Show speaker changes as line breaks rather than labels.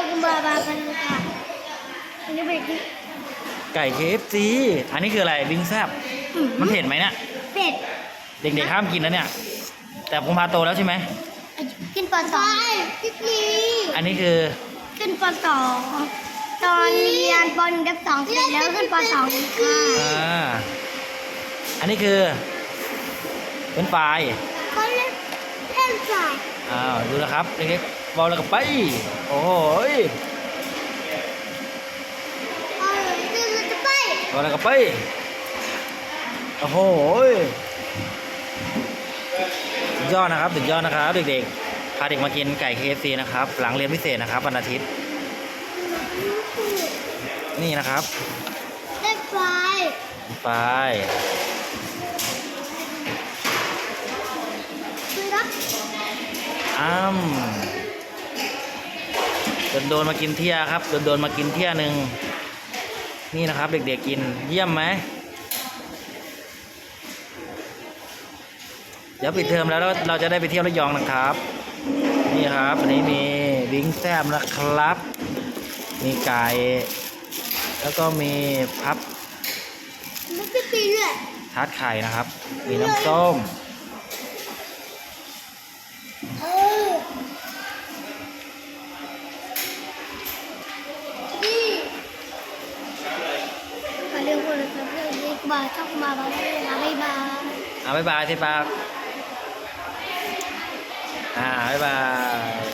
กุมภาพันธ์กันค่ะอันนี้เป็น
ไก่ KFC อันนี้คืออะไรวิงแซบมันเผ็ดไหมเนี่ย
เป็ด
เด็กๆห้ามกินนะเนี่ย แต่ผมพาโตแล้วใช่ไหม
ขึ้นป .2 พี่พี
อันนี้คือ
ขึ้นป .2 ตอนเรียนป .1 กับ2เสร็จแล้วขึ้นป .2 อีกค่ะ
อันนี้คือเป็นปลาย
เขาเล่นสาย
ดูนะครับเด็กๆบอลแล้วก็ไป โอ้โหย
จะไป
บอลแล้วก็ไป โอ้โหยสุดยอดนะครับสุดยอดนะครับเด็กๆพาเด็กมากินไก่ KFC นะครับหลังเรียนพิเศษนะครับวันอาทิตย์นี่นะครับ
เล่นไฟ
ไป
คือรับ
โดนมากินเที่ยครับโดนมากินเที่ยหนึ่งนี่นะครับเด็กๆกินเยี่ยมไหมเดี๋ยวปิดเทอมแล้วเราจะได้ไปเที่ยวระยองนะครับนี่ครับอันนี้มีวิงแซบนะครับ มีไก่แล้วก็มีพับ
มันจะปีเลย
ทาร์ตไข่นะครับ มีน้ำส้ม
นี่มาเรียกว่าอะไรครับเรียกบาร์เข้ามาบ้างนะไม่บาร์
บ๊ายบายสิปากบ๊ายบาย